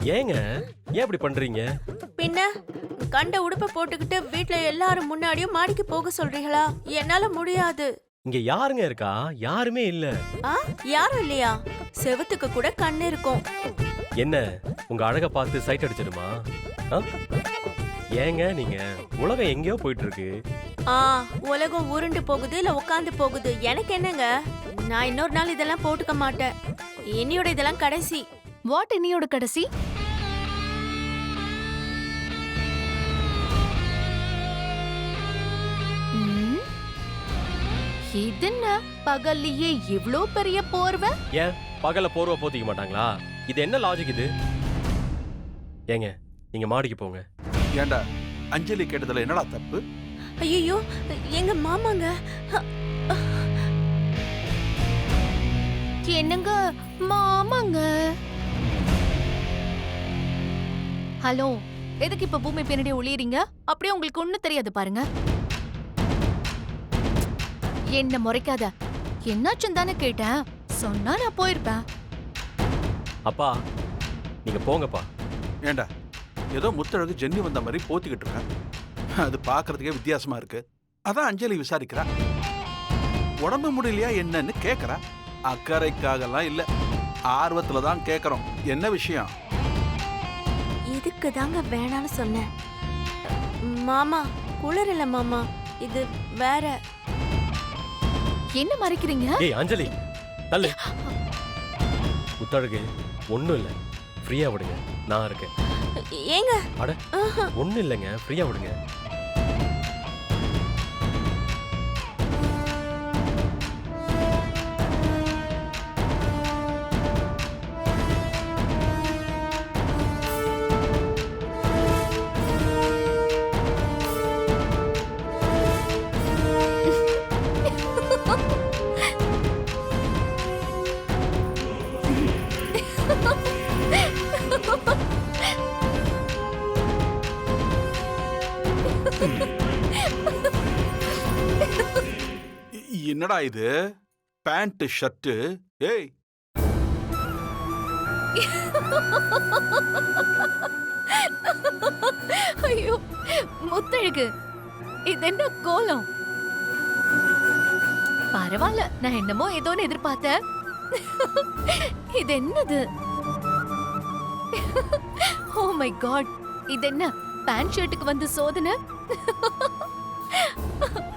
ஏங்க ஏன் இப்படி பண்றீங்க? பின்ன கண்ட உடுப்ப போட்டுக்கிட்டு வீட்ல எல்லாரும் முன்னாடியும் மாடிக்கு போக சொல்றீங்களா? என்னால முடியாது. இங்க யாருங்க இருக்கா? யாருமே இல்ல. ஆ, யாரும் இல்லையா? செவுத்துக்கு கூட கண்ணு இருக்கும். என்ன உங்க அழக பார்த்து சைட் அடிச்சிடுமா? ஆ? ஏங்க நீங்க உலகம் எங்கேயோ போயிட்டு இருக்கு. ஆ, உலகம் உருண்டு போகுது இல்ல உட்கார்ந்து போகுது, எனக்கு என்னங்க? நான் இன்னொரு நாள் இதெல்லாம் போட்டுக்க மாட்டேன். என்னையோட இதெல்லாம் கடைசி. வாட் என்னையோட கடைசி? இதென்ன பகல்லையே இவ்ளோ பெரிய போர்வை? ஏன் பகல போர்வை போத்திக்க மாட்டாங்களா? இது என்ன லாஜிக் இது? ஏங்க நீங்க மாடிக்கு போங்க. ஏண்டா அஞ்சலி கேட்டதுல என்னடா தப்பு? ஐயோ, எங்க மாமாங்க. என்னங்க மாமாங்க? ஹலோ, எதுக்கு இப்ப பூமி பின்னாடி ஒளியறீங்க? அப்படியே உங்களுக்கு ஒண்ணு தெரியாது பாருங்க. என்ன முறைக்காத. என்னாச்சுன்னு தானே கேட்டேன். சொன்னா நான் போயிருப்பேன். அப்பா நீங்க போங்கப்பா. ஏண்டா ஏதோ முத்தழகு ஜென்னி வந்த மாதிரி போத்திக்கிட்டு இருக்க. அது பாக்குறதுக்கே வித்தியாசமா இருக்கு. அதான் அஞ்சலி விசாரிக்கிறா. உடம்பு முடியலையா என்னன்னு கேக்குறா. அக்கறைக்காகலாம் இல்ல, ஆர்வத்துல தான் கேக்குறோம். என்ன விஷயம்? இதுக்கு தாங்க வேணான்னு சொன்னேன். மாமா குளிர் இல்ல மாமா, இது வேற. என்ன மறைக்கிறீங்க? ஏய் அஞ்சலி தள்ளு. முத்தழகு ஒண்ணும் இல்ல, ஃப்ரீயா விடுங்க, நான் இருக்கேன். ஏங்க அட ஒண்ணும் இல்லைங்க, ஃப்ரீயா விடுங்க. என்னடா இது? Pant shirt. ஏய் ஐயோ முத்தழகு, இது என்ன கோலம்? பரவாயில்ல, நான் என்னமோ ஏதோன்னு எதிர்பார்த்தேன். இது என்னது? ஓ மை காட், இது என்ன பேண்ட் ஷர்ட்டுக்கு வந்து சோதனை?